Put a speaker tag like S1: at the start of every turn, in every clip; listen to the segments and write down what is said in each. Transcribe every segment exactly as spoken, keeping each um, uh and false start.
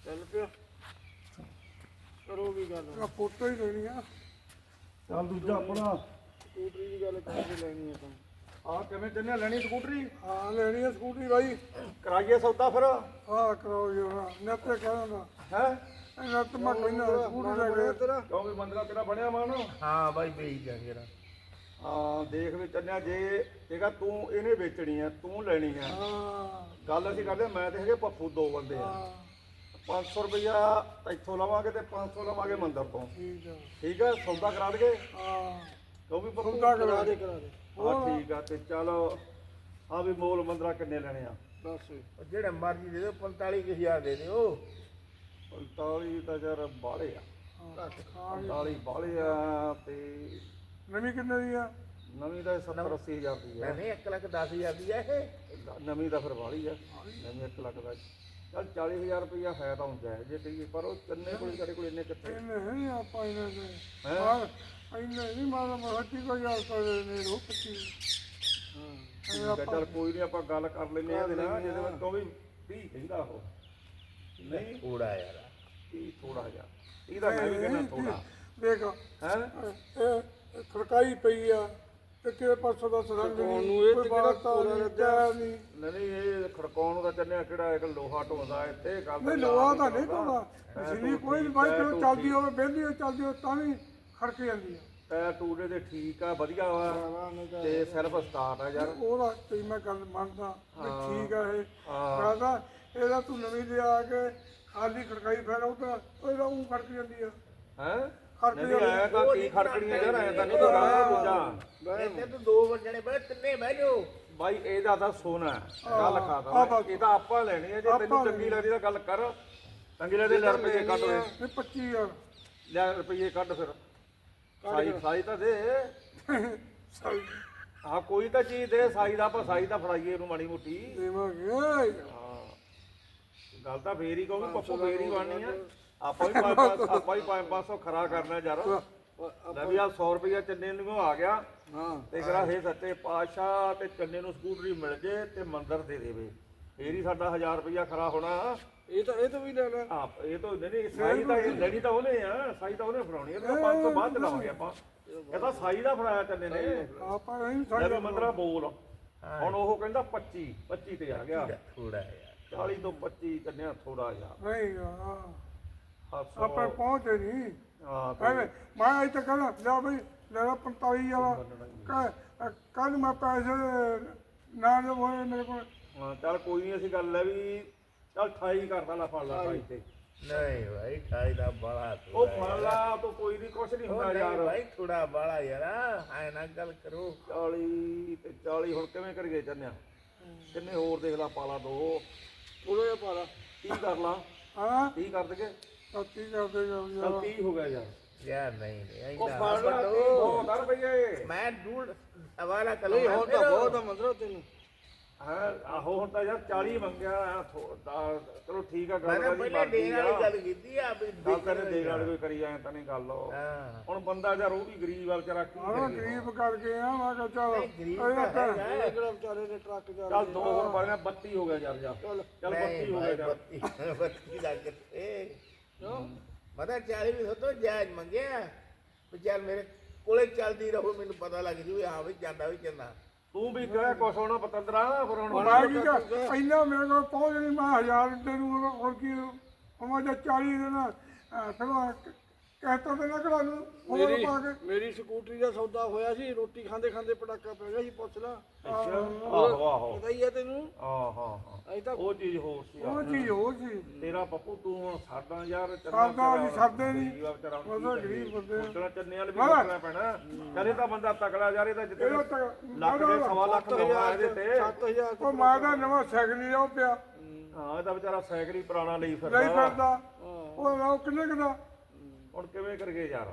S1: ਚੱਲ ਪਿਆ ਕਰੋ ਵੀ ਗੱਲ
S2: ਫੋਟੋ ਹੀ ਲੈਣੀ ਆ।
S3: ਚੱਲ ਦੂਜਾ ਆਪਣਾ
S1: ਸਕੂਟਰੀ ਦੀ ਗੱਲ ਕਰਕੇ ਲੈਣੀ ਆ ਤਾਂ
S3: ਆ ਕਿਵੇਂ ਚੱਲਿਆ ਲੈਣੀ ਸਕੂਟਰੀ?
S2: ਹਾਂ ਲੈਣੀ ਆ ਸਕੂਟਰੀ ਬਾਈ।
S3: ਕਰਾਈਏ ਸੌਦਾ ਫਿਰ।
S2: ਹਾਂ ਕਰਾਓ ਜੀ ਹਾਂ ਨੱਤੇ ਕਹਿੰਦਾ
S3: ਹੈ
S2: ਨੱਤ ਮੈਂ ਕਹਿੰਦਾ ਸਕੂਟਰੀ ਲੈ ਕੇ
S1: ਤੇਰਾ
S3: ਕਿਉਂ ਵੀ ਮੰਦਰਾ ਤੇਰਾ ਬਣਿਆ ਮਾਨ?
S4: ਹਾਂ ਬਾਈ ਵੇਚ ਜਾਗੇ ਰਾ
S3: ਹਾਂ ਦੇਖ ਵੀ ਚੱਲਿਆ ਜੇ ਜੇਗਾ ਤੂੰ ਇਹਨੇ ਵੇਚਣੀ ਆ ਤੂੰ ਲੈਣੀ ਆ।
S2: ਹਾਂ
S3: ਗੱਲ ਅਸੀਂ ਕਰਦੇ ਮੈਂ ਤੇ ਹੈਗੇ ਪੱਪੂ ਦੋ ਬੰਦੇ ਆ।
S2: ਹਾਂ
S3: ਪੰਜ ਸੌ ਰੁਪਇਆ ਇੱਥੋਂ ਲਵਾਂਗੇ ਤੇ ਪੰਜ ਸੌ ਲਵਾਂਗੇ ਮੰਦਰ ਤੋਂ।
S2: ਠੀਕ ਆ
S3: ਠੀਕ ਹੈ ਸੌਦਾ ਕਰਾ ਦਈਏ
S2: ਹਾਂ
S3: ਕਿਉਂ ਵੀ ਪੱਪੂ?
S2: ਸੌਦਾ
S1: ਕਰਾ ਦੇ ਕਰਾ ਦੇ
S3: ਹਾਂ ਠੀਕ ਆ ਤੇ ਚੱਲ ਆ ਵੀ ਮੋਲ ਮੰਦਰਾ ਕਿੰਨੇ ਲੈਣੇ ਆ?
S1: ਦੱਸ
S4: ਜਿਹੜੇ ਮਰਜ਼ੀ ਦੇ ਦਿਓ ਪੰਤਾਲੀ ਕੁ ਹਜ਼ਾਰ ਦੇ ਦਿਓ।
S3: ਪੰਤਾਲੀ ਤਾਂ ਯਾਰ ਬਾਹਲੇ ਆ।
S2: ਹਾਂ
S3: ਪੰਤਾਲੀ ਬਾਹਲੇ ਆ ਤੇ
S2: ਨਵੀਂ ਕਿੰਨੇ ਦੀ ਆ?
S3: ਨਵੀਂ ਦਾ ਸੱਤਰ ਅੱਸੀ ਹਜ਼ਾਰ ਦੀ ਆ।
S4: ਨਹੀਂ ਇੱਕ ਲੱਖ ਦਸ ਹਜ਼ਾਰ ਦੀ ਆ ਇਹ।
S3: ਨਵੀਂ ਦਾ ਫਿਰ ਬਾਹਲੀ ਆ। ਨਵੀਂ ਇੱਕ ਲੱਖ ਦਾ ਚੱਲ ਚਾਲੀ ਹਜ਼ਾਰ ਰੁਪਇਆ ਹੈ ਤਾਂ ਹੁੰਦਾ ਹੈ ਜੇ ਕਹੀਏ ਪਰ ਉਹ ਕਿੰਨੇ ਕੋਲ ਸਾਡੇ ਕੋਲ ਇੰਨੇ ਕਿੱਥੇ
S2: ਇਹਨੇ ਨਹੀਂ ਆਪਾਂ ਇਹਨਾਂ ਦੇ
S3: ਹੈਂ?
S2: ਹਾਂ ਇਹਨੇ ਨਹੀਂ ਮਾਰਾ ਮਹੱਤੀ ਕੋ ਯਾਰ ਕਰ ਨੇ ਰੋ ਪੱਚੀ
S3: ਠੀਕ ਹੈ ਚੱਲ ਕੋਈ ਨਹੀਂ ਆਪਾਂ ਗੱਲ ਕਰ ਲੈਂਦੇ ਆ ਇਹਦੇ ਨਾਲ ਜਿਹਦੇ ਵਿੱਚ ਤੋਂ ਵੀ ਤੀਹ ਕਹਿੰਦਾ ਉਹ ਨਹੀਂ
S4: ਥੋੜਾ ਯਾਰ
S3: ਤੀਹ ਥੋੜਾ ਜਿਹਾ ਇਹਦਾ ਮੈਂ ਵੀ ਕਹਿੰਦਾ ਥੋੜਾ
S2: ਦੇਖ
S3: ਹੈ।
S2: ਇਹ ਖੜਕਾਈ ਪਈ ਆ ਤੇ ਕਿਹੜੇ ਪਾਸੋਂ ਦਾ ਸਰੰਗ
S1: ਖੜਕਾਉਣ
S2: ਨਹੀਂ
S1: ਨੂੰ ਇਹ ਤੇ
S2: ਕੋਈ
S1: ਕਿਹੜਾ
S2: ਬਾਤ
S1: ਪੂਰਾ
S2: ਨਹੀਂ
S1: ਲੱਗਿਆ।
S2: ਜਾ ਨਹੀਂ
S3: ਨਹੀਂ ਇਹ ਖੜਕਾਉਣ ਨੂੰ ਤਾਂ ਚੱਲਿਆ ਕਿਹੜਾ ਇੱਕ ਲੋਹਾ ਢੋਂਦਾ ਇੱਥੇ ਗੱਲ
S2: ਨਹੀਂ ਲੋਹਾ ਤਾਂ ਨਹੀਂ ਤੋੜਾ ਮਸ਼ੀਨੀ ਕੋਈ ਨਹੀਂ ਬਾਈ ਜਦੋਂ ਚੱਲਦੀ ਹੋਵੇ ਬਹਿੰਦੀ ਹੋਵੇ ਚੱਲਦੀ ਹੋਵੇ ਤਾਂ ਵੀ ਖੜਕ ਜਾਂਦੀ ਆ।
S3: ਟਾਇਰ ਟੂਰੇ ਦੇ ਠੀਕ ਆ ਵਧੀਆ ਵਾ ਤੇ ਸਿਰਫ ਸਟਾਰਟ ਆ ਯਾਰ।
S2: ਉਹਦਾ ਤੇ ਮੈਂ ਗੱਲ ਮੰਨਦਾ ਵੀ ਠੀਕ ਆ ਇਹ
S3: ਹਾਂ।
S2: ਕਹਿੰਦਾ ਇਹਦਾ ਤੂੰ ਨਵੀਂ ਲਿਆ ਕੇ ਖਾਲੀ ਖੜਕਾਈ ਫੇਰ ਉਹ ਤਾਂ ਇਹਦਾ ਉਹ ਖੜਕ ਜਾਂਦੀ ਆ
S3: ਹੈ
S2: ਖੜਕ
S3: ਨਹੀਂ
S2: ਜਾਂਦੀ
S3: ਆਇਆ ਤਾਂ ਕੀ ਖੜਕਣੀਆਂ ਯਾਰ ਐ ਤਾਂ ਨਹੀਂ ਗੱਲ ਦੂਜਾ
S4: ਇੱਥੇ ਤੂੰ ਦੋ ਵਜਣੇ ਬੈ ਤਿੰਨੇ ਬਹਿ ਜਾਓ।
S3: ਬਾਈ ਇਹਦਾ ਤਾਂ ਸੋਨਾ ਹੈ। ਗੱਲ ਖਾਦਾ ਇਹ ਤਾਂ ਆਪਾਂ ਲੈਣੀ ਹੈ ਜੇ ਤੈਨੂੰ ਚੰਗੀ ਲੱਗਦੀ ਤਾਂ ਗੱਲ ਕਰ। ਚੰਗੀ ਲੱਗਦੀ ਲੈ ਰੁਪਏ ਕੱਢ ਓਏ
S2: ਇਹ ਪੱਚੀ ਹਜ਼ਾਰ
S3: ਲੈ ਰੁਪਏ ਕੱਢ ਫਿਰ ਸਾਈ ਸਾਈ ਤਾਂ ਦੇ
S2: ਸਾਈ
S3: ਹਾਂ ਕੋਈ ਤਾਂ ਚੀਜ਼ ਦੇ ਸਾਈ ਦਾ ਆਪਾਂ ਸਾਈ ਦਾ ਫੜਾਈਏ ਇਹਨੂੰ ਮਾੜੀ ਮੋਟੀ।
S2: ਦੇਵਾਂਗੇ
S3: ਹਾਂ ਗੱਲ ਤਾਂ ਫੇਰ ਹੀ ਕਹੂੰ ਪੱਪੂ ਫੇਰ ਹੀ ਬਣਨੀ ਆ। ਆਪਾਂ ਵੀ ਪੰਜ ਆਪਾਂ ਵੀ ਪੰਜ ਪੰਜ ਸੌ ਖਰਾ ਕਰਨਾ ਯਾਰ। ਲੈ ਵੀ ਆ ਸੌ ਰੁਪਇਆ ਚੰਨੇ ਨੂੰ ਆ ਗਿਆ
S1: ਹਾਂ
S3: ਤੇ ਕਰਾ ਹੇ ਸੱਚੇ ਪਾਤਸ਼ਾਹ ਤੇ ਚੰਨੇ ਨੂੰ ਸਕੂਟਰੀ ਮਿਲ ਜੇ ਤੇ ਮੰਦਰ ਦੇ ਦੇਵੇ ਫੇਰ ਹੀ ਸਾਡਾ ਹਜ਼ਾਰ ਰੁਪਇਆ ਖਰਾ ਹੋਣਾ।
S1: ਇਹ ਤਾਂ ਇਹ ਤਾਂ ਵੀ ਲੈ ਲੈ
S3: ਆਪ ਇਹ ਤਾਂ ਨਹੀਂ ਸਾਈ ਤਾਂ ਲੈਣੀ ਤਾਂ ਉਹਨੇ ਆ ਸਾਈ ਤਾਂ ਉਹਨੇ ਫੜਾਉਣੀ ਆ। ਤੇ ਪੰਜ ਸੌ ਬਾਅਦ ਚਲਾਵਾਂਗੇ ਆਪਾਂ। ਇਹ ਤਾਂ ਸਾਈ ਦਾ ਫੜਾਇਆ ਚੰਨੇ ਨੇ।
S2: ਆਪਾਂ ਨਹੀਂ
S3: ਲੈ
S2: ਸਾਡੇ
S3: ਵੀ ਮੰਦਰਾ ਬੋਲ ਹੁਣ ਉਹ ਕਹਿੰਦਾ ਪੱਚੀ ਪੱਚੀ ਤੇ ਆ ਗਿਆ।
S4: ਥੋੜਾ ਯਾਰ
S3: ਚਾਲੀ ਤੋਂ ਪੱਚੀ ਚੰਨਿਆ ਥੋੜਾ ਜਿਹਾ
S2: ਨਹੀਂ ਹਾਂ
S3: ਹੱਸੋ।
S2: ਆਪਾਂ ਪਹੁੰਚੇ ਨਹੀਂ
S3: ਹਾਂ ਤੇ
S2: ਐਵੇਂ ਮੈਂ ਇੱਥੇ ਕਹਿੰਦਾ ਲੈ ਬਈ ਲੈ ਲਾ ਪੰਤਾਲੀ ਵਾਲਾ ਕੱਲ ਮੈਂ ਪੈਸੇ ਨਾ ਦੇ ਹੋਏ ਮੇਰੇ ਕੋਲ
S3: ਹਾਂ ਚੱਲ ਕੋਈ ਨਹੀਂ ਅਸੀਂ ਗੱਲ ਹੈ ਵੀ ਚੱਲ ਅਠਾਈ ਕਰਦਾ ਲਾ ਫੜ ਲਾ ਅਠਾਈ ਤੇ।
S4: ਨਹੀਂ ਭਾਈ ਠਾਈ ਦਾ ਬੜਾ
S3: ਉਹ ਫੜ ਲਾ ਤੂੰ ਕੋਈ ਨਹੀਂ ਕੁਛ ਨਹੀਂ ਹੁੰਦਾ ਯਾਰ।
S4: ਭਾਈ ਥੋੜਾ ਬੜਾ ਯਾਰ ਐ ਨਾ ਗੱਲ ਕਰੋ।
S3: ਚਾਲੀ ਤੇ ਚਾਲੀ ਹੁਣ ਕਿਵੇਂ ਕਰੀਏ ਚੰਨਿਆ? ਕਿੰਨੇ ਹੋਰ ਦੇਖ ਲਾ ਪਾਲਾ ਦੋ
S1: ਥੋੜਾ ਜਿਹਾ ਪਾ ਲਾ
S3: ਤੀਹ ਕਰ ਲਾ
S2: ਹਾਂ
S3: ਤੀਹ ਕਰ ਦਗੇ
S2: ਸੱਤੀ ਕਰਦੇ ਜਾਓ
S3: ਚੱਲ
S2: ਯਾਰ
S3: ਤੀਹ ਹੋ ਗਿਆ ਯਾਰ।
S4: ਯਾਰ ਨਹੀਂ ਨਹੀਂ
S3: ਉਹ
S4: ਇੰਨਾ
S3: ਫੜ ਲਾ ਤੀਹ ਕਰ ਰੁਪਏ।
S4: ਮੈਂ ਡੂੜ ਹਵਾਲਾ ਕਰ
S1: ਨਹੀਂ ਹੁਣ ਤਾਂ ਬਹੁਤ ਆ ਮੰਦਰਾ ਤੈਨੂੰ
S3: ਹਾਂ ਆਹੋ ਹੁਣ ਤਾਂ ਯਾਰ ਚਾਲੀ ਮੰਗਿਆ ਆ, ਥੋ- ਦਾ- ਚਲੋ ਠੀਕ ਆ
S4: ਮੈਂ
S3: ਗੱਲ
S4: ਤਾਂ
S3: ਕਰੀ
S4: ਪਹਿਲਾਂ ਦੇਣ ਵਾਲੀ
S3: ਆ।
S4: ਗੱਲ ਕੀਤੀ ਆ ਵੀ
S3: ਗੱਲ ਕਰੇ ਦੇਣ ਵਾਲੀ ਕੋਈ ਕਰੀ ਐ ਤਾਂ ਨਹੀਂ ਗੱਲ ਉਹ।
S4: ਹਾਂ
S3: ਹੁਣ ਬੰਦਾ ਯਾਰ ਉਹ ਵੀ ਗਰੀਬ ਵਾਲ ਚ ਰੱਖ
S2: ਹਾਂ ਗਰੀਬ ਕਰਕੇ ਆ ਮੈਂ ਕਿਹਾ ਚੱਲ
S4: ਗਰੀਬ
S2: ਇਹ
S4: ਤਾਂ
S2: ਤਾਂ
S4: ਹੈਗਾ।
S1: ਇਹ ਕਿਹੜਾ ਵਿਚਾਰੇ ਨੇ ਟਰੱਕ ਜਾ
S3: ਚੱਲ ਦੋ ਹੋਰ ਪਾ ਲਿਆ ਬੱਤੀ ਹੋ ਗਿਆ ਯਾਰ ਜਾ
S1: ਚੱਲ
S3: ਚੱਲ
S4: ਨਹੀਂ
S3: ਬੱਤੀ ਹੋ ਗਿਆ
S4: ਭਾਈ,
S3: ਯਾਰ।
S4: ਬੱਤੀ ਬੱਤੀ ਲੱਗ ਗਏ ਮਤਲਬ ਚਾਲੀ ਵੀ ਹੋਤੋ ਜਾਇਜ਼ ਮੰਗਿਆ ਵੀ ਚੱਲ ਮੇਰੇ ਕੋਲੇ ਚੱਲਦੀ ਰਹੋ ਮੈਨੂੰ ਪਤਾ ਲੱਗ ਜੂ ਹਾਂ ਵੀ ਜਾਂਦਾ ਵੀ ਚੰਨਾ।
S3: ਤੂੰ ਵੀ ਕਹਿ ਕੁਛ ਹੋਣਾ ਪਤੰਦਰਾ ਫਿਰ ਹੁਣ
S2: ਮੈਂ ਕੀ ਕਰ ਪਹਿਲਾਂ ਮੇਰੇ ਕੋਲ ਪਹੁੰਚ ਨਹੀਂ ਮੈਂ ਹਜ਼ਾਰ ਦੇ ਨੂੰ ਹੋਰ ਕੀ ਉਹ ਜਾਂ ਚਾਲੀ ਦੇ ਨਾ ਫਿਰ ਕਹਿਤਾ ਤੇ ਨਾ ਕਰਾ ਨੂੰ ਹੋਰ
S1: ਮੇਰੀ
S2: ਪਾ ਕੇ
S1: ਮੇਰੀ ਸਕੂਟਰੀ ਦਾ ਸੌਦਾ ਹੋਇਆ ਸੀ ਰੋਟੀ ਖਾਂਦੇ ਖਾਂਦੇ ਪਟਾਕਾ ਪੈ ਗਿਆ ਸੀ ਪੁੱਛ ਲਾ
S3: ਆਹੋ ਆਹੋ
S1: ਪਤਾ ਹੀ ਹੈ ਤੈਨੂੰ
S3: ਆਹ ਹਾਂ ਹਾਂ
S1: ਅਜੇ ਤਾਂ
S3: ਉਹ ਚੀਜ਼ ਹੋਰ ਸੀ
S2: ਉਹ ਚੀਜ਼ ਹੋ ਸੀ
S3: ਤੇਰਾ ਪੱਪੂ ਤੂੰ ਹੁਣ ਸਾਡਾ ਯਾਰ
S2: ਸਾਡਾ ਅਸੀਂ ਸਾਡੇ ਨਹੀਂ। ਉਹਦਾ ਗਰੀਬ ਬੰਦੇ ਆ।
S3: ਉਤਰਾ ਚੰਨੇ ਵਾਲੇ ਵੀ ਰੱਖਣਾ ਪੈਣਾ। ਕਦੇ ਤਾਂ ਬੰਦਾ ਤਕੜਾ ਯਾਰ ਇਹਦਾ ਜਿੱਤੇ
S2: ਇਹਦਾ ਤਾਂ
S3: ਲੱਖ ਦੇ ਸਵਾ ਲੱਖ ਲਾਉਣਾ ਇਹਦੇ ਤੇ।
S1: ਸੱਤ ਹਜ਼ਾਰ
S2: ਉਹ ਮੈਂ ਤਾਂ ਨਵਾਂ ਸਾਈਕਲ ਹੀ ਉਹ ਪਿਆ
S3: ਹਾਂ ਇਹਦਾ ਵਿਚਾਰਾ ਸਾਈਕਲ ਹੀ ਪੁਰਾਣਾ ਲਈ
S2: ਨਹੀਂ
S3: ਫਿਰਦਾ।
S2: ਫਿਰਦਾ ਉਹ ਉਹ ਕਿੰਨੇ ਕਦਾ
S3: ਹੁਣ ਕਿਵੇਂ ਕਰਗੇ ਯਾਰ?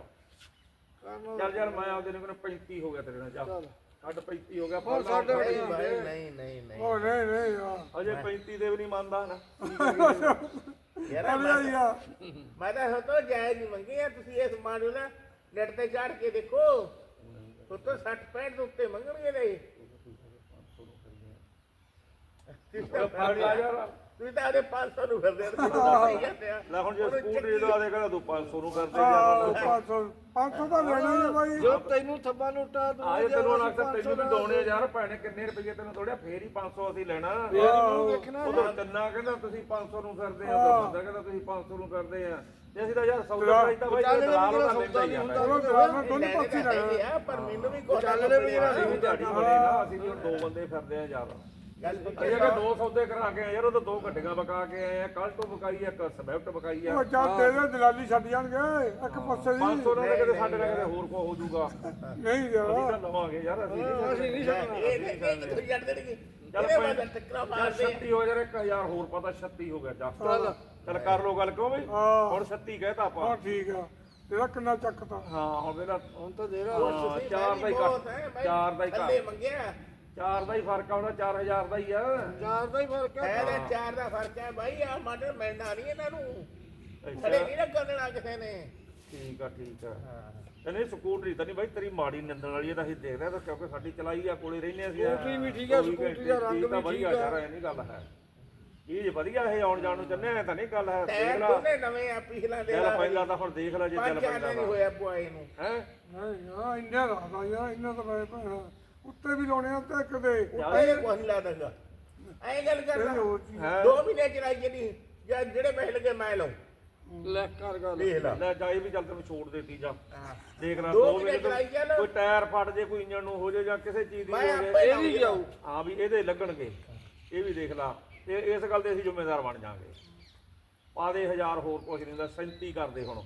S1: ਕਰਨਾ
S3: ਚੱਲ ਯਾਰ ਮੈਂ ਆਪਦੇ ਨੂੰ ਕਹਿੰਦਾ ਪੈਂਤੀ ਹੋ ਗਿਆ ਤੇਰੇ ਨਾਲ ਚੱਲ ਛੱਡ ਪੈਂਤੀ ਹੋ ਗਿਆ
S1: ਹੋਰ ਸਾਡੇ
S4: ਨਹੀਂ ਭਾਈ ਨਹੀਂ ਨਹੀਂ ਨਹੀਂ
S2: ਉਹ ਨਹੀਂ ਨਹੀਂ ਯਾਰ
S3: ਅਜੇ ਪੈਂਤੀ ਦੇ ਵੀ ਨਹੀਂ ਮੰਨਦਾ ਨਾ।
S4: ਯਾਰ
S2: ਅਰੇ ਯਾਰ
S4: ਮੈਂ ਤਾਂ ਹੋਤੋ ਜਾਇਜ਼ ਹੀ ਮੰਗੀ ਆ ਤੁਸੀਂ ਇਸ ਮਾਡਲ ਨਾ ਨੈਟ ਤੇ ਚੜ ਕੇ ਦੇਖੋ ਹੋਤੋ ਸੱਠ ਪੈਂਹਠ ਦੇ ਉੱਤੇ ਮੰਗਣਗੇ ਨੇ
S3: ਫੜ ਲਾ ਯਾਰ
S4: ਤੁਸੀਂ ਤਾਂ ਆਦੇ ਪੰਜ ਸੌ ਨੂੰ ਫਿਰਦੇ ਤੇ ਸਹੀ ਜਾਂਦੇ ਆ
S3: ਲੈ ਹੁਣ ਜੇ ਸਕੂਟਰੀ ਜਦੋਂ ਆਦੇ ਕਹਿੰਦਾ ਤੂੰ ਪੰਜ ਸੌ ਨੂੰ ਕਰਦੇ
S2: ਆਹ,
S3: ਜਾ
S2: ਪੰਜ ਸੌ ਪੰਜ ਸੌ ਤਾਂ ਲੈਣਾ ਹੀ ਆ ਬਾਈ।
S1: ਜੋ ਤੈਨੂੰ ਥੱਬਾ ਨੋਟਾ ਦੂੰ
S3: ਆਏ ਤੈਨੂੰ ਹੁਣ ਅਕਸਰ ਤੈਨੂੰ ਵੀ ਦੋਣੇ ਯਾਰ ਭੈਣੇ ਕਿੰਨੇ ਰੁਪਏ ਤੈਨੂੰ ਥੋੜਿਆ ਫੇਰ ਹੀ ਪੰਜ ਸੌ ਅਸੀਂ ਲੈਣਾ
S1: ਵੇਖਣਾ
S3: ਉਧਰ ਕੰਨਾ ਕਹਿੰਦਾ ਤੁਸੀਂ ਪੰਜ ਸੌ ਨੂੰ ਕਰਦੇ ਆ ਉਧਰ ਬੰਦਾ ਕਹਿੰਦਾ ਤੁਸੀਂ ਪੰਜ ਸੌ ਨੂੰ ਕਰਦੇ ਆ ਤੇ ਅਸੀਂ ਤਾਂ ਯਾਰ ਸੌਦਾ ਪ੍ਰਾਈਸ ਤਾਂ ਬਾਈ ਦਲਾਲ ਉਹਦਾ ਲੈਂਦਾ ਹੀ ਆ
S2: ਚਲੋ ਦਲਾਲ ਨਾਲ ਦੋਨੋਂ ਪਾਸੇ
S4: ਹੈਗੇ
S2: ਲੈਣਾ
S4: ਆ, ਪਰ ਮੈਨੂੰ ਵੀ ਕੋਈ
S1: ਚੱਲਣੇ ਵੀ ਜਿਹੜਾ
S3: ਅਸੀਂ ਵੀ ਝਾੜੀ ਬਣੇ ਨਾ ਅਸੀਂ ਵੀ ਹੁਣ ਦੋ ਬੰਦੇ ਫਿਰਦੇ ਆ ਯਾਰ
S4: ਗੱਲ
S3: ਅਸੀਂ ਕਿ ਦੋ ਸੌਦੇ ਕਰਾ ਕੇ ਆਏ ਯਾਰ ਉਹ ਤਾਂ ਦੋ ਗੱਡੀਆਂ ਬਕਾ ਕੇ ਆਏ ਆ ਕੱਲ ਤੋਂ ਬਕਾਈ ਆ ਇੱਕ ਸਵਿਫਟ ਬਕਾਈ ਆ
S2: ਉਹ ਚੱਲ ਤੇਰੇ ਦਲਾਲੀ ਛੱਡ ਜਾਣਗੇ ਇੱਕ ਪਾਸੇ ਦੀ
S3: ਪੰਜ ਸੌ ਨਾਲ ਤਾਂ ਕਿਤੇ ਸਾਡੇ ਨਾਲ ਕਿਤੇ ਹੋਰ ਕੋ ਹੋ ਜਾਊਗਾ
S2: ਨਹੀਂ ਯਾਰ
S3: ਅਸੀਂ ਤਾਂ ਲਵਾਂਗੇ ਯਾਰ ਅਸੀਂ ਨਹੀਂ
S1: ਅਸੀਂ ਨਹੀਂ ਛੱਡਣਾ
S4: ਇਹ ਇਹ ਕਿੱਥੋਂ ਜੱਟ ਦੇਣਗੇ
S3: ਚੱਲ
S4: ਇਹਦੇ
S3: ਭਾਈ
S4: ਬਾਅਦ ਟੱਕਰਾ
S3: ਯਾਰ
S4: ਮਾਰਦੇ
S3: ਛੱਤੀ ਹੋ ਜਾਣਾ ਇੱਕ ਹਜ਼ਾਰ ਹੋਰ ਪਤਾ ਛੱਤੀ ਹੋ ਗਿਆ ਚੱਲ ਚੱਲ ਕਰ ਲੋ ਗੱਲ ਕਿਉਂ ਬਈ
S2: ਹਾਂ।
S3: ਹੁਣ ਛੱਤੀ ਕਹਿਤਾ ਆਪਾਂ
S2: ਹਾਂ ਠੀਕ ਆ ਤੇਰਾ ਕਿੰਨਾ ਚੱਕਤਾ
S3: ਹਾਂ ਹੁਣ ਇਹਦਾ
S1: ਹੁਣ ਤਾਂ ਦੇ ਰਾ
S3: ਹਾਂ, ਚਾਰ ਦਾ ਹੀ
S4: ਬਹੁਤ ਹੈ,
S3: ਘੱਟ
S4: ਮੈਂ
S3: ਚਾਰ ਦਾ ਹੀ
S4: ਥੱਲੇ
S3: ਘੱਟ
S4: ਮੰਗਿਆ
S3: ਚਾਰ ਦਾ ਹੀ ਫਰਕ ਆਉਣਾ ਚਾਰ ਹਜ਼ਾਰ ਦਾ ਹੀ ਆ
S1: ਚਾਰ ਦਾ ਹੀ ਫਰਕ ਹੈ
S4: ਹੈ ਤਾਂ ਚਾਰ ਦਾ ਫਰਕ ਹੈ ਬਾਈ ਆ ਮਾਡਲ ਮਿਲਣਾ ਨਹੀਂ ਇਹਨਾਂ ਨੂੰ
S3: ਅੱਛਾ
S4: ਖੜੇ ਨਹੀਂ ਨਾ ਕਰਨਾ ਕਿਸੇ ਨੇ
S3: ਠੀਕ ਆ ਠੀਕ ਆ ਤੇ ਨਹੀਂ ਸਕੂਟਰੀ ਤਾਂ ਨਹੀਂ ਬਾਈ ਤੇਰੀ ਮਾੜੀ ਨਿੰਦਣ ਵਾਲੀ ਇਹ ਤਾਂ ਅਸੀਂ ਦੇਖਦੇ ਆ ਤਾਂ ਕਿਉਂਕਿ ਸਾਡੀ ਚਲਾਈ ਆ ਕੋਲੇ ਰਹਿੰਦੇ ਅਸੀਂ
S1: ਸਕੂਟਰੀ ਵੀ ਠੀਕ ਆ,
S3: ਚੌਵੀ
S1: ਸਕੂਟਰੀ ਦਾ ਰੰਗ
S3: ਚੀਜ਼ ਤਾਂ
S1: ਵੀ
S3: ਵਧੀਆ
S1: ਠੀਕ ਆ।
S3: ਯਾਰ ਇਹ ਨਹੀਂ ਗੱਲ ਹੈ ਇਹ ਵਧੀਆ ਇਹ ਆਉਣ ਜਾਣ ਨੂੰ ਚੰਨੇ ਤਾਂ ਨਹੀਂ ਗੱਲ ਹੈ ਦੇਖ
S4: ਟਾਇਰ
S3: ਲਾ
S4: ਦੋਨੇ ਨਵੇਂ ਆ ਪਿਛਲਾ ਦੇ
S3: ਚੱਲ ਪਹਿਲਾਂ ਤਾਂ ਹੁਣ ਦੇਖ ਲੈ ਜੇ ਚੱਲ
S4: ਪੰਜ ਚਾਰ
S3: ਪੈਂਦਾ
S4: ਨਹੀਂ ਹੋਇਆ ਪੁਆਏ ਨੂੰ
S3: ਹੈ
S2: ਨਹੀਂ ਯਾਰ ਇੰਨਾ ਰਾਦਾ ਯਾਰ ਇੰਨਾ ਤਾਂ ਮੈਂ ਭੈਣਾ ਉੱਤੇ ਵੀ ਲਾਉਣੇ ਆ ਤੇ ਕਦੇ
S4: ਉੱਤੇ ਕੋਈ ਲਾ ਦਾਂਗਾ ਐਂ ਗੱਲ ਕਰਦਾ
S2: ਹੋਰ ਚੀਜ਼।
S3: ਹੈ
S4: ਦੋ ਮਹੀਨੇ ਚਲਾਈ ਜਿਹੜੀ ਜਾਂ ਜਿਹੜੇ ਪੈਸੇ ਲੱਗੇ ਮੈਂ ਲਾਉਂ
S1: ਲੈ ਕਰ ਗੱਲ
S4: ਦੇਖ ਲਾ
S3: ਲੈ ਜਾਈ ਵੀ ਚੱਲ ਤੈਨੂੰ ਛੋੜ ਦੇਤੀ ਜਾ
S4: ਹਾਂ।
S3: ਦੇਖ ਲੈ
S4: ਦੋ
S3: ਦੋ
S4: ਮਹੀਨੇ
S3: ਮਿੰਟ
S4: ਚਲਾਈ ਚੱਲ।
S3: ਕੋਈ ਟਾਇਰ ਫਟ ਜੇ ਕੋਈ ਇੰਜਣ ਨੂੰ ਹੋ ਜੇ ਜਾਂ ਕਿਸੇ ਚੀਜ਼ ਦੀ
S4: ਮੈਂ
S3: ਹੋ
S4: ਆਪੇ
S3: ਜੇ
S1: ਇਹ ਵੀ ਜਾਊ
S3: ਹਾਂ ਵੀ ਇਹਦੇ ਲੱਗਣਗੇ ਇਹ ਵੀ ਦੇਖ ਲਾ ਤੇ ਇਸ ਗੱਲ ਦੇ ਅਸੀਂ ਜ਼ਿੰਮੇਦਾਰ ਬਣ ਜਾਾਂਗੇ ਪਾ ਦੇ ਹਜ਼ਾਰ ਹੋਰ ਕੁਛ ਨਹੀਂ ਹੁੰਦਾ ਸੈਂਤੀ ਕਰਦੇ ਹੁਣ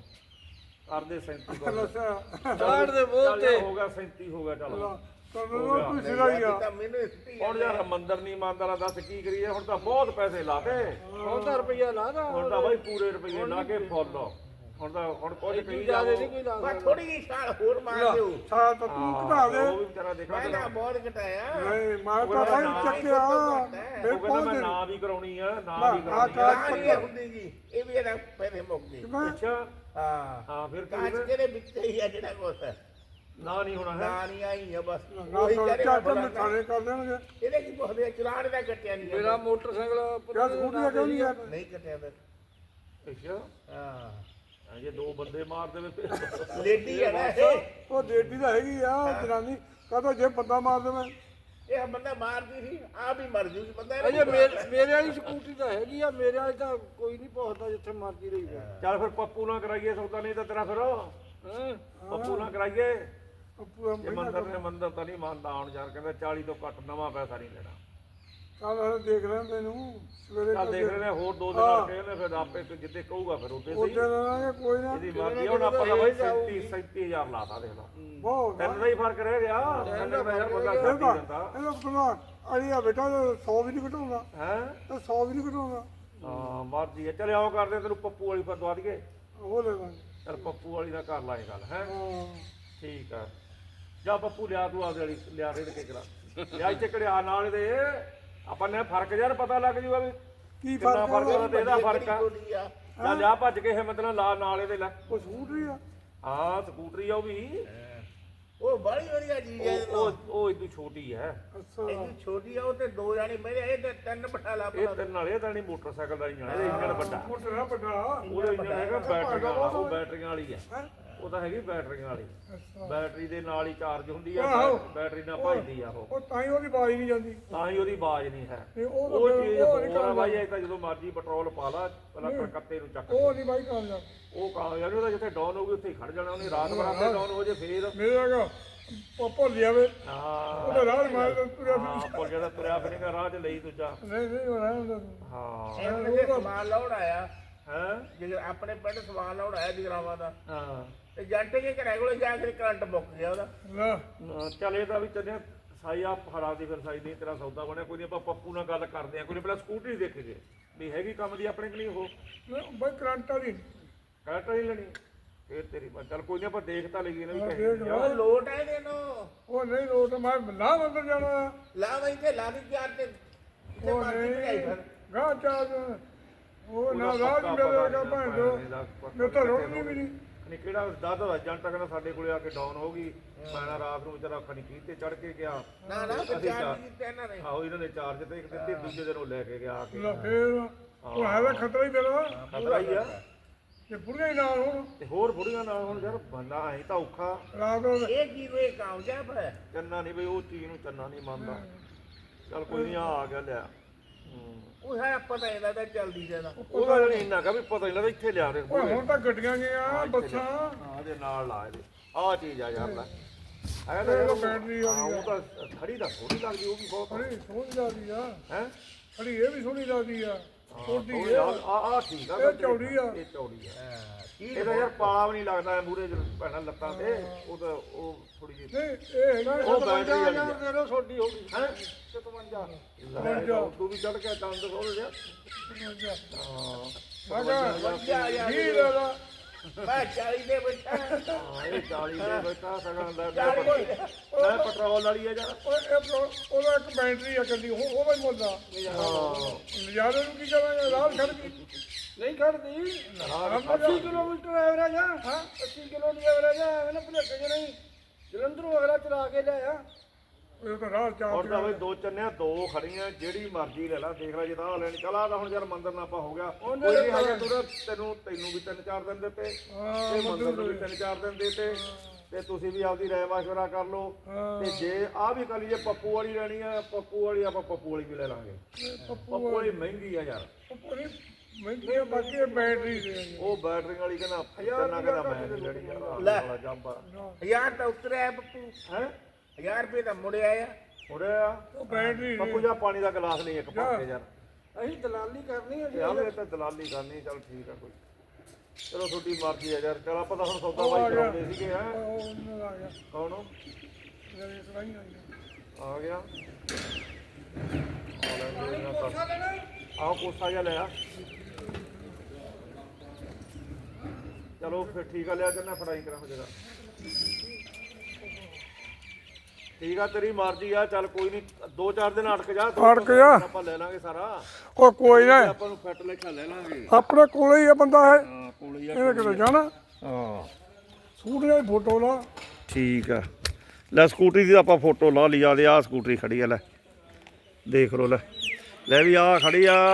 S3: ਕਰਦੇ ਸੈਂਤੀ ਕਰਦੇ
S2: ਅੱਛਾ
S1: ਚਾੜ ਦੇ ਬੋਲ
S3: ਚੱਲ
S1: ਤੇ
S3: ਯਾਰ ਹੋ ਗਿਆ ਸੈਂਤੀ ਹੋ ਗਿਆ ਚੱਲ
S2: ਤੁਹਾਨੂੰ ਕੋਈ ਸਿਰਾ ਹੀ ਆ
S4: ਤਾਂ ਮੈਨੂੰ ਸਿੱਧੀ
S3: ਹੁਣ ਯਾਰ ਮੰਦਰ ਨਹੀਂ ਮੰਨਦਾ ਦੱਸ ਕੀ ਕਰੀਏ ਹੁਣ ਤਾਂ ਬਹੁਤ ਪੈਸੇ ਲਾਤੇ
S1: ਹੁਣ ਤਾਂ ਰੁਪਈਆ ਲਾ ਦਾ
S3: ਹੁਣ ਤਾਂ ਬਾਈ ਪੂਰੇ ਰੁਪਏ ਲਾ ਕੇ ਫੁੱਲ ਹੁਣ ਤਾਂ ਹੁਣ ਕੁਝ ਕਹੀ
S1: ਜਿਆਦਾ
S3: ਜਾਓ
S1: ਨਹੀਂ ਕੋਈ ਲਾ
S4: ਮੈਂ
S1: ਸਕਦਾ।
S4: ਥੋੜੀ ਜਿਹੀ ਛਾਲ ਹੋਰ ਮਾਰ ਦਿਓ
S2: ਸਾਲ ਤਾਂ ਤੂੰ ਘਟਾ ਦੇ
S3: ਉਹ ਵੀ ਵਿਚਾਰਾ ਦੇਖਾ
S4: ਮੈਂ ਤਾਂ ਬਹੁਤ ਘਟਾਇਆ
S2: ਨਹੀਂ ਮੈਂ ਤਾਂ ਭਾਈ ਚੱਕਿਆ ਫਿਰ
S3: ਉਹ ਕਹਿੰਦਾ
S2: ਪਹੁੰਚ
S3: ਮੈਂ
S2: ਦੇ
S3: ਨਾ ਵੀ ਕਰਾਉਣੀ ਆ ਨਾ
S2: ਨਾ,
S3: ਵੀ
S2: ਆਹ
S3: ਕਰਾਉਣੀ ਆ
S4: ਨਾ ਨਹੀਂ ਹੁੰਦੀ ਜੀ ਇਹ ਵੀ ਇਹਦਾ ਪੈਸੇ ਮੁੱਕ ਗਏ
S2: ਮੈਂ
S3: ਅੱਛਾ
S4: ਹਾਂ
S3: ਹਾਂ ਫਿਰ ਕੀ
S4: ਕਾਂਚ
S3: ਹੋਇਆ?
S4: ਤੇਰੇ ਵਿੱਚ ਹੀ ਆ ਜਿਹੜਾ ਕੁਛ
S3: ਨਾ ਨਹੀਂ ਹੋਣਾ ਹੈ
S4: ਨਾ ਨਹੀਂ ਆਈ ਆ ਬਸ
S2: ਨਾ
S4: ਉਹੀ
S2: ਤਾਂ
S4: ਕਹਿ ਰਿਹਾ
S2: ਚੱਕ
S4: ਭਲਾ
S2: ਮੈਂ ਥਾਣੇ ਕਰ ਦੇਣਗੇ
S4: ਇਹਦੇ ਕੀ ਪੁੱਛਦੇ ਆ, ਚਲਾਣ ਦਾ ਕੱਟਿਆ ਨਹੀਂ
S1: ਮੇਰਾ ਮੋਟਰਸਾਈਕਲ
S2: ਕਿਆ ਸਕੂਟਰੀ ਕਿਉਂ ਨਹੀਂ ਆ
S4: ਨਹੀਂ ਕੱਟਿਆ ਫਿਰ
S3: ਅੱਛਾ
S4: ਹਾਂ
S3: ਹਾਂ, ਜੇ ਦੋ ਬੰਦੇ ਮਾਰ ਦੇਵੇ ਫਿਰ
S4: ਲੇਡੀ ਆ ਨਾ ਇਹ
S2: ਉਹ ਡੇਡੀ ਤਾਂ ਹੈਗੀ ਆ ਜਨਾਨੀ ਕਹਦਾ ਜੇ ਬੰਦਾ ਮਾਰ ਦੇਵੇ
S4: ਇਹ ਬੰਦਾ ਮਾਰਦੀ ਸੀ ਆ ਵੀ ਮਰ ਜੂਗੀ ਬੰਦਾ
S1: ਅਜੇ ਮੇਰੇ ਮੇਰੇ ਵਾਲੀ ਸਕੂਟਰੀ ਤਾਂ ਹੈਗੀ ਆ ਮੇਰੇ ਵਾਲੀ ਤਾਂ ਕੋਈ ਨਹੀਂ ਪਹੁੰਚਦਾ ਜਿੱਥੇ ਮਰਜ਼ੀ ਰਹੀ ਜਾ
S3: ਚੱਲ ਫਿਰ ਪੱਪੂ ਨਾਲ ਕਰਾਈਏ ਸੌਦਾ ਨਹੀਂ ਤਾਂ ਤੇਰਾ ਫਿਰ
S1: ਹਾਂ
S3: ਪੱਪੂ ਨਾਲ ਕਰਾਈਏ
S2: ਉਹ ਪੂਰਾ
S3: ਜੇ
S2: ਮਹੀਨਾ
S3: ਮੰਦਰ ਨੇ ਮੰਦਰ ਤਾਂ ਨਹੀਂ ਮੰਨਦਾ ਹੁਣ ਯਾਰ ਕਹਿੰਦਾ ਚਾਲੀ ਤੋਂ ਘੱਟ ਨਵਾਂ ਪੈਸਾ ਨਹੀਂ ਲੈਣਾ
S2: ਚੱਲ ਫਿਰ ਦੇਖ ਲੈਂਦੇ ਨੂੰ ਸਵੇਰੇ
S3: ਚੱਲ ਦੇਖ ਰਹੇ ਨੇ ਹੋਰ ਦੋ ਦਿਨ
S2: ਹਾਂ।
S3: ਰੱਖੇ ਨੇ ਫਿਰ ਆਪੇ ਜਿੱਦੇ ਕਹੂਗਾ ਫਿਰ ਉੱਤੇ
S2: ਉਹਦੇ
S3: ਸਹੀ
S2: ਨਾਲ ਕੋਈ ਨਾ
S3: ਇਹਦੀ ਮਰਜ਼ੀ ਆ, ਹੁਣ ਆਪਾਂ ਤਾਂ ਬਾਈ ਸੈਂਤੀ ਸੈਂਤੀ ਹਜ਼ਾਰ ਲਾਤਾ ਦੇਖ ਲਾ
S2: ਬਹੁਤ
S3: ਤਿੰਨ ਦਾ ਹੀ ਫਰਕ ਰਹਿ ਗਿਆ ਤਿੰਨ ਦਾ ਯਾਰ ਬੰਦਾ
S2: ਇਹਦਾ
S3: ਛੱਡ ਹੀ ਦਿੰਦਾ
S2: ਇਹਦਾ ਬਣਾ ਅੜੀ ਆ ਬੇਟਾ ਸੌ ਵੀ ਨਹੀਂ ਘਟਾਉਂਦਾ
S3: ਹੈ
S2: ਤੇ ਸੌ ਵੀ ਨਹੀਂ ਘਟਾਉਂਦਾ
S3: ਹਾਂ ਮਰਜ਼ੀ ਹੈ ਚਲ ਆਓ ਕਰਦੇ ਤੈਨੂੰ ਪੱਪੂ ਵਾਲੀ ਪਰ ਦਵਾ ਦਈਏ
S2: ਉਹ ਲੈ ਲਾਂਗੇ
S3: ਚਲ ਪੱਪੂ ਵਾਲੀ ਦਾ ਕਰ ਲਾਂਗੇ ਗੱਲ ਹੈ
S2: ਹਾਂ
S3: ਠੀਕ ਆ ਜਾ ਪੱਪੂ ਲਿਆ ਤੂੰ ਆਪਦੇ ਵਾਲੀ ਲਿਆ ਰੇੜ ਕੇ ਕਰਾ ਲਿਆ ਇੱਥੇ ਕੜਿਆ ਨਾਲ ਦੇ ਆਪਾਂ ਨੇ ਫਰਕ ਯਾਰ ਪਤਾ ਲੱਗ ਜੂਗਾ ਵੀ
S2: ਕੀ
S3: ਕਿੰਨਾ
S2: ਫਰਕ
S3: ਫਰਕ
S2: ਆ
S3: ਉਹਦਾ ਤੇ ਇਹਦਾ ਫਰਕ ਆ
S4: ਕੋਡੀ ਆ
S3: ਜਾ ਲਿਆ ਭੱਜ ਕੇ ਹਿੰਮਤ ਨਾਲ ਲਾ ਨਾਲ ਇਹਦੇ ਲੈ
S2: ਉਹ ਸਕੂਟਰੀ ਆ
S3: ਹਾਂ ਸਕੂਟਰੀ ਆ ਉਹ ਵੀ
S4: ਉਹ ਬੜੀ ਵਧੀਆ ਚੀਜ਼ ਹੈ
S3: ਉਹ ਉਹ ਉਹ ਇਦੋਂ ਛੋਟੀ ਹੈ
S2: ਅੱਛਾ
S4: ਇਹ ਛੋਟੀ ਆ ਉਹ ਤੇ ਦੋ ਜਾਣੇ ਮੇਰੇ ਇਹ ਤੇ ਤਿੰਨ ਬਿਠਾ ਲਾ
S3: ਇਹ ਤਿੰਨ ਵਾਲੇ ਤਾਂ ਨਹੀਂ ਮੋਟਰਸਾਈਕਲ ਦਾ ਇੰਜਣ ਇਹਦਾ ਇੰਜਣ ਵੱਡਾ
S2: ਮੋਟਰ ਆ ਵੱਡਾ
S3: ਉਹਦਾ ਇੰਜਣ ਹੈਗਾ ਬੈਟਰੀਆਂ ਵਾਲਾ ਉਹ ਬੈਟਰੀਆਂ ਵਾਲੀ ਆ
S2: ਹੈਂ?
S3: ਉਹ ਤਾਂ ਹੈਗੀ ਬੈਟਰੀਆਂ ਵਾਲੀ
S2: ਅੱਛਾ
S3: ਬੈਟਰੀ ਦੇ ਨਾਲ ਹੀ ਚਾਰਜ ਹੁੰਦੀ ਆ
S2: ਆਹੋ।
S3: ਬੈਟਰੀ ਨਾਲ ਭੱਜਦੀ ਆ ਉਹ
S2: ਉਹ ਤਾਂ ਹੀ ਉਹਦੀ ਬਾਜ਼ ਨਹੀਂ ਜਾਂਦੀ
S3: ਤਾਂ ਹੀ ਉਹਦੀ ਆਵਾਜ਼ ਨਹੀਂ ਹੈ
S2: ਤੇ ਉਹ ਤਾਂ
S3: ਉਹ
S2: ਫਿਰ
S3: ਚੀਜ਼
S2: ਉਹ ਨਹੀਂ
S3: ਹੋਰ ਆ ਬਾਈ
S2: ਕਰਦਾ
S3: ਇਹ ਤਾਂ ਜਦੋਂ ਮਰਜ਼ੀ ਪੈਟਰੋਲ ਪਾ ਲਾ ਪਹਿਲਾਂ ਕਲਕੱਤੇ ਨੂੰ ਚੱਕ
S2: ਉਹ ਨਹੀਂ ਬਾਈ ਕਾਮਯਾਬ
S3: ਉਹ ਕਾਮਯਾਬ ਉਹਦਾ ਜਿੱਥੇ ਡਾਊਨ ਹੋਊਗੀ ਉੱਥੇ ਹੀ ਖੜ ਜਾਣਾ ਉਹਨੇ ਰਾਤ ਬਰਾਤੇ ਡਾਊਨ ਹੋ ਜੇ ਫੇਰ
S2: ਮੇਰੇ ਹੈਗਾ ਉਹ ਭੁੱਲ ਜਾਵੇ
S3: ਹਾਂ
S2: ਉਹਦਾ ਰਾਹ ਮਾਰ ਕੇ ਤੁਰਿਆ
S3: ਹਾਂ ਪੁੱਲ ਜਿਹੜਾ ਤੁਰਿਆ ਫਿਰੇਗਾ ਰਾਹ 'ਚ ਲਈ ਦੂਜਾ
S2: ਨਹੀਂ ਨਹੀਂ ਉਹ ਰਹਿਣ ਦਾ
S3: ਹਾਂ
S4: ਇਹ ਉਹਨੇ ਸਮਾਨ ਲਾਉਣ ਆਇਆ
S3: ਹੈ
S4: ਜੇ ਆਪਣੇ ਪਿੰਡ ਸਮਾਨ ਲਾਉਣ ਆਇਆ ਜਗਰਾਵਾਂ ਦਾ
S3: ਹਾਂ
S4: ਤੇ ਜੱਟ ਕੇ ਘਰੇ ਕੋਲੇ ਜਾ ਕੇ ਕਰੰਟ ਮੁੱਕ ਗਿਆ ਉਹਦਾ
S2: ਲੈ
S3: ਅਹ ਚੱਲ ਇਹ ਤਾਂ ਵੀ ਚੱਲਿਆ ਸਾਈ ਆ ਹਰਾ ਦੀ ਫਿਰ ਸਾਈ ਨਹੀਂ ਤੇਰਾ ਸੌਦਾ ਬਣਿਆ ਕੋਈ ਨਹੀਂ ਆਪਾਂ ਪੱਪੂ ਨਾਲ ਗੱਲ ਕਰਦੇ ਆ ਕੋਈ ਨਹੀਂ ਪਹਿਲਾਂ ਸਕੂਟਰੀ ਦੇਖੀਏ ਵੀ ਹੈਗੀ ਕੰਮ ਦੀ ਆਪਣੇ ਕਿ ਨਹੀਂ ਉਹ
S2: ਲੈ, ਬਾਈ ਕਰੰਟ ਵਾਲੀ
S3: ਕਰੰਟ ਨਹੀਂ ਲੈਣੀ ਫੇਰ ਤੇਰੀ ਪਰ ਚੱਲ ਕੋਈ ਨਹੀਂ ਆਪਾਂ ਦੇਖ ਤਾਂ ਲਈਏ ਨਾ ਵੀ
S2: ਹਾਂ,
S3: ਕਹੇ
S2: ਦੇਖ
S4: ਉਹ ਲੋਟ ਹੈ ਇਹਨੂੰ
S2: ਉਹ ਨਹੀਂ ਲੋਟ ਮੈਂ ਲਾ ਅੰਦਰ ਜਾਣਾ ਆ।
S4: ਲਾ ਵਈ ਤੇ ਲਾ ਦੀ ਚਾਰ ਤੇ ਤੇ
S2: ਉਹ
S4: ਮਰਜ਼ੀ ਭਜਾਈ
S2: ਨਹੀਂ
S4: ਫਿਰ
S2: ਗਾਂ ਚਾਰ ਉਹ ਨਾ ਰਾਜ ਮੇਰੇ ਦਾ ਭੈਣ ਜੋ ਮੇਰੇ ਤਾਂ ਰੋਣੀ ਵੀ ਨਹੀਂ
S3: ਨਹੀਂ ਕਿਹੜਾ ਦੱਸ ਦਾ ਏਜੰਟ ਕਹਿੰਦਾ ਸਾਡੇ ਕੋਲੇ ਆ ਕੇ ਡਾਊਨ ਹੋ ਗਈ ਮੈਂ ਨਾ ਰਾਤ ਨੂੰ ਵਿਚਾਰਾ ਖਣੀ ਕੀ ਤੇ ਚੜ ਕੇ ਗਿਆ
S4: ਨਾ ਨਾ
S3: ਅਸੀਂ
S4: ਵਿਚਾਰ
S3: ਚਾਰ-
S4: ਨਹੀਂ ਕੀਤਾ ਇਹਨਾਂ ਨੇ
S3: ਆਹੋ ਇਹਨਾਂ ਨੇ ਚਾਰਜ ਤੇ ਇੱਕ ਦਿੱਤੇ ਦੂਜੇ ਦਿਨ ਉਹ ਲੈ ਕੇ ਗਿਆ ਆ ਕੇ
S2: ਲੈ ਫੇਰ ਉਹ ਹੈ ਤਾਂ ਖਤਰਾ ਹੀ ਮੇਰਾ
S3: ਖਤਰਾ ਹੀ ਆ
S2: ਤੇ ਬੁੜੀਆਂ ਹੀ ਨਾਲ ਹੁਣ
S3: ਤੇ ਹੋਰ ਬੁੜੀਆਂ ਨਾਲ ਹੁਣ ਯਾਰ ਬੰਦਾ ਐਂ ਤਾਂ ਔਖਾ
S2: ਰਾਤ ਨੂੰ
S4: ਇਹ ਕੀ ਵੇ ਕਾਮਯਾਬ ਹੈ
S3: ਚੰਨਾ ਨਹੀਂ ਬਈ ਉਹ ਚੀਜ਼ ਨੂੰ ਚੰਨਾ ਨਹੀਂ ਮੰਨਦਾ ਚੱਲ ਕੋਈ ਨਹੀਂ ਆ ਗਿਆ ਲਿਆ ਹੂੰ।
S4: ਉਹ ਹੈ ਪਤਾ ਇਹਦਾ ਤਾਂ ਚੱਲਦੀ ਰਹਿਣਾ
S3: ਉਹਦਾ ਨਹੀਂ ਇੰਨਾ ਕਾ ਵੀ ਪਤਾ ਨਹੀਂ ਲੱਗਦਾ ਇੱਥੇ ਲਿਆ ਦੇ
S2: ਓਏ ਹੁਣ ਤਾਂ ਗੱਡੀਆਂ ਗਈਆਂ ਬੱਸਾਂ
S3: ਹਾਂ ਇਹਦੇ ਨਾਲ ਲਾ ਇਹਦੇ ਆਹ ਚੀਜ਼ ਆ ਯਾਰ ਲੈ ਆਇਆ ਤਾਂ
S2: ਇਹ
S3: ਯਾਰ
S2: ਤਾਂ
S3: ਉਹ-
S2: ਬੈਟਰੀ
S3: ਹਾਂ,
S2: ਵਾਲੀ
S3: ਉਹ ਤਾਂ ਖੜੀ ਤਾਂ ਥੋੜੀ ਲੱਗਦੀ ਉਹ ਵੀ ਬਹੁਤ
S2: ਖੜੀ ਸੋਹਣੀ ਲੱਗਦੀ ਆ
S3: ਹੈ
S2: ਖੜੀ ਇਹ ਵੀ ਸੋਹਣੀ ਲੱਗਦੀ ਆ ਛੋਟੀ
S3: ਆ ਆ ਠੀਕ ਆ
S2: ਇਹ ਚੌੜੀ ਆ।
S3: ਇਹ ਚੌੜੀ ਆ ਇਹਦਾ ਯਾਰ ਪਾਲਾ ਵੀ ਨਹੀਂ ਲੱਗਦਾ ਮੂਰੇ ਭੈਣਾ ਲੱਤਾਂ ਤੇ ਉਹ ਤਾਂ ਉਹ ਥੋੜੀ ਜਿਹੀ
S2: ਨਹੀਂ ਇਹ ਹੈਗਾ
S3: ਉਹ ਬੈਟਰੀ ਵਾਲੀ ਆ
S1: ਦੇ ਦੋ ਛੋਟੀ ਹੋ ਗਈ
S3: ਹੈ
S1: ਸਤਵੰਜਾ
S3: ਤੂੰ ਵੀ ਚੜ ਕੇ ਚੰਦ ਖੋਲ ਜਾ
S2: ਮੈਂ ਕਿਹਾ
S4: ਵਧੀਆ ਯਾਰ
S2: ਵੀਹ ਲੈ ਲਾ
S4: ਮੈਂ ਚਾਲੀ ਦੇ ਬੈਠਾ
S3: ਹਾਂ ਇਹ ਚਾਲੀ ਦੇ ਬੈਠਾ ਸਗਨ ਲੈ
S4: ਚਾਲੀ ਦੇ।
S3: ਮੈਂ ਪੈਟਰੋਲ ਵਾਲੀ ਆ ਯਾਰ
S2: ਓਏ ਇਹ ਪ੍ਰੋ- ਉਹਦਾ ਇੱਕ ਬੈਟਰੀ ਆ ਕੱਲੀ ਉਹ ਉਹਦਾ ਹੀ ਮੁੱਲ ਆ
S3: ਹਾਂ
S2: ਨਜ਼ਾਰੇ ਨੂੰ ਕੀ ਕਰਾਂਗੇ ਰਾਤ ਛੱਡ ਕੇ
S1: ਨਹੀਂ ਕੱਢਦੀ ਅੱਸੀ ਕਿਲੋਮੀਟਰ ਐਵਰੇਜ ਆ ਹਾਂ ਅੱਸੀ ਕਿਲੋ ਦੀ ਐਵਰੇਜ ਆ ਐਵੇਂ ਨਾ ਭੁਲੇਖੇ ਜਿਹੇ ਨਹੀਂ ਜਲੰਧਰੋਂ ਅਗਲਾ ਚਲਾ ਕੇ ਲਿਆਇਆ
S2: ਉਹ ਤਾਂ ਰਾਹ ਚਾਰ
S3: ਹੁਣ ਤਾਂ ਬਈ ਦੋ ਚੰਨਿਆ ਦੋ ਖੜੀਆਂ ਜਿਹੜੀ ਮਰਜ਼ੀ ਲੈ ਲਾ ਦੇਖ ਲੈ ਜੇ ਤਾਂ ਲੈਣੀ ਚਲਾ ਤਾਂ ਹੁਣ ਯਾਰ ਮੰਦਰ ਨਾ ਆਪਾਂ ਹੋ ਗਿਆ ਕੋਈ ਨਹੀਂ ਹਜੇ ਤੂੰ ਤੈਨੂੰ ਤੈਨੂੰ ਵੀ ਤਿੰਨ ਚਾਰ ਦਿਨ ਦਿੱਤੇ ਤੇ ਮੰਦਰ ਨੂੰ ਵੀ ਤਿੰਨ ਚਾਰ ਦਿਨ ਦਿੱਤੇ ਤੇ ਤੁਸੀਂ ਵੀ ਆਪਦੀ ਰਾਏ ਮਸ਼ਵਰਾ ਕਰ ਲਓ ਤੇ ਜੇ ਆ ਵੀ ਕਰ ਲਈਏ ਪੱਪੂ ਵਾਲੀ ਲੈਣੀ ਆ ਪੱਪੂ ਵਾਲੀ ਆਪਾਂ ਪੱਪੂ ਵਾਲੀ ਵੀ ਲੈ ਲਾਂਗੇ ਪੱਪੂ ਵਾਲੀ ਮਹਿੰਗੀ ਆ ਯਾਰ
S2: ਮਹਿੰਗੀ ਆ ਬਾਕੀ ਇਹ ਬੈਟਰੀ ਦੇ ਆ ਜੀ।
S3: ਉਹ ਬੈਟਰੀ ਵਾਲੀ ਕਹਿੰਦਾ ਚੰਨਾ ਕਹਿੰਦਾ ਮੈਂ ਨਹੀਂ ਲੈਣੀ ਯਾਰ ਆਹ
S4: ਲੈ।
S3: ਵਾਲਾ ਜੰਪਾ
S4: ਹਜ਼ਾਰ ਤਾਂ ਉਤਰਿਆ ਬੱਪੂ
S3: ਹੈ
S4: ਹਜ਼ਾਰ ਰੁਪਏ ਤਾਂ ਮੁੜਿਆ ਆ
S3: ਉਰੇ ਆ
S2: ਉਹ ਬੈਟਰੀ
S3: ਪੱਪੂ ਜਾ ਪਾਣੀ ਦਾ ਗਲਾਸ ਨਹੀਂ ਇੱਕ ਪਾ ਕੇ ਯਾਰ
S1: ਅਸੀਂ ਦਲਾਲੀ ਕਰਨੀ ਹੈ ਜੀ
S3: ਯਾਰ ਇਹ ਤਾਂ ਦਲਾਲੀ ਕਰਨੀ ਚੱਲ ਠੀਕ ਆ ਕੋਈ ਚਲੋ ਤੁਹਾਡੀ ਮਰਜ਼ੀ ਆ ਯਾਰ ਚਲ ਆਪਾਂ ਤਾਂ ਹੁਣ ਸੌਦਾ ਬਾਈ ਕਰਾਉਂਦੇ ਸੀਗੇ ਹੈ
S2: ਉਹ ਉਹਨਾਂ ਦਾ ਆ ਗਿਆ
S3: ਕੌਣ ਉਹ?
S2: ਮੇਰੇ ਕੜਾਈ ਆ ਗਿਆ
S3: ਆ ਗਿਆ ਆ ਲੈ ਜੀ ਇਹਨਾਂ ਤਾਂ ਆਹ ਕੋਸਾ ਜਿਹਾ ਲਿਆ ਚਲੋ ਫਿਰ ਠੀਕ ਆ ਲਿਆ ਕਰਨਾ ਫੜਾਈ ਕਰਾਂ ਹੋ ਜਗਾ ਠੀਕ ਆ ਤੇਰੀ ਮਰਜ਼ੀ ਆ ਚੱਲ ਕੋਈ ਨਹੀਂ ਦੋ ਚਾਰ ਦਿਨ ਅਟਕ ਜਾ ਦੋ
S2: ਅਟਕ ਜਾ।
S3: ਆਪਾਂ ਲੈ ਲਾਂਗੇ ਸਾਰਾ
S2: ਉਹ ਕੋਈ ਨਾ
S3: ਆਪਾਂ ਨੂੰ ਫਿੱਟ ਲੇਖਾ ਲੈ ਲਾਂਗੇ
S2: ਆਪਣੇ ਕੋਲੇ ਹੀ ਆ ਬੰਦਾ ਹੈ
S3: ਹਾਂ ਕੋਲੇ ਆ
S2: ਇਹਨੇ ਕਿਤੇ ਜਾਣਾ
S3: ਹਾਂ
S2: ਸੂਟ ਦੀ ਫੋਟੋ ਲਾ
S3: ਠੀਕ ਆ ਲੈ ਸਕੂਟਰੀ ਦੀ ਆਪਾਂ ਫੋਟੋ ਲਾ ਲਈ ਆ ਦੇ ਆ ਸਕੂਟਰੀ ਖੜੀ ਆ ਲੈ ਦੇਖ ਲੋ ਲੈ ਲੈ ਵੀ ਆ ਖੜੀ ਆ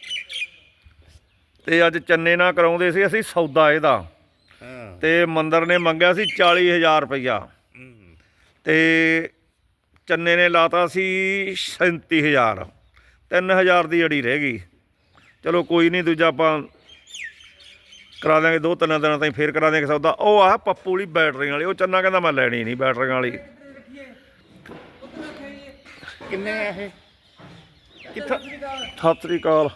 S3: ਤੇ ਅੱਜ ਚੰਨੇ ਨਾਲ ਕਰਾਉਂਦੇ ਸੀ ਅਸੀਂ ਸੌਦਾ ਇਹਦਾ
S4: ਹਾਂ
S3: ਤੇ ਮੰਦਰ ਨੇ ਮੰਗਿਆ ਸੀ ਚਾਲੀ ਹਜ਼ਾਰ ਰੁਪਈਆ ਤੇ ਚੰਨੇ ਨੇ ਲਾਤਾ ਸੀ ਸੈਂਤੀ ਹਜ਼ਾਰ ਤਿੰਨ ਹਜ਼ਾਰ ਦੀ ਅੜੀ ਰਹਿ ਗਈ ਚਲੋ ਕੋਈ ਨਹੀਂ ਦੂਜਾ ਆਪਾਂ ਕਰਾ ਦਾਂਗੇ ਦੋ ਤਿੰਨ ਦਿਨਾਂ ਤਾਈਂ ਫੇਰ ਕਰਾ ਦਾਂਗੇ ਸੌਦਾ ਉਹ ਆ ਪੱਪੂ ਵਾਲੀ ਬੈਟਰੀ ਵਾਲੀ ਉਹ ਚੰਨਾ ਕਹਿੰਦਾ ਮੈਂ ਲੈਣੀ ਨਹੀਂ ਬੈਟਰੀ ਵਾਲੀ
S4: ਕਿੰਨੇ ਆ ਇਹ
S3: ਕਿੱਥਾ ਸਤਿ ਸ੍ਰੀ ਅਕਾਲ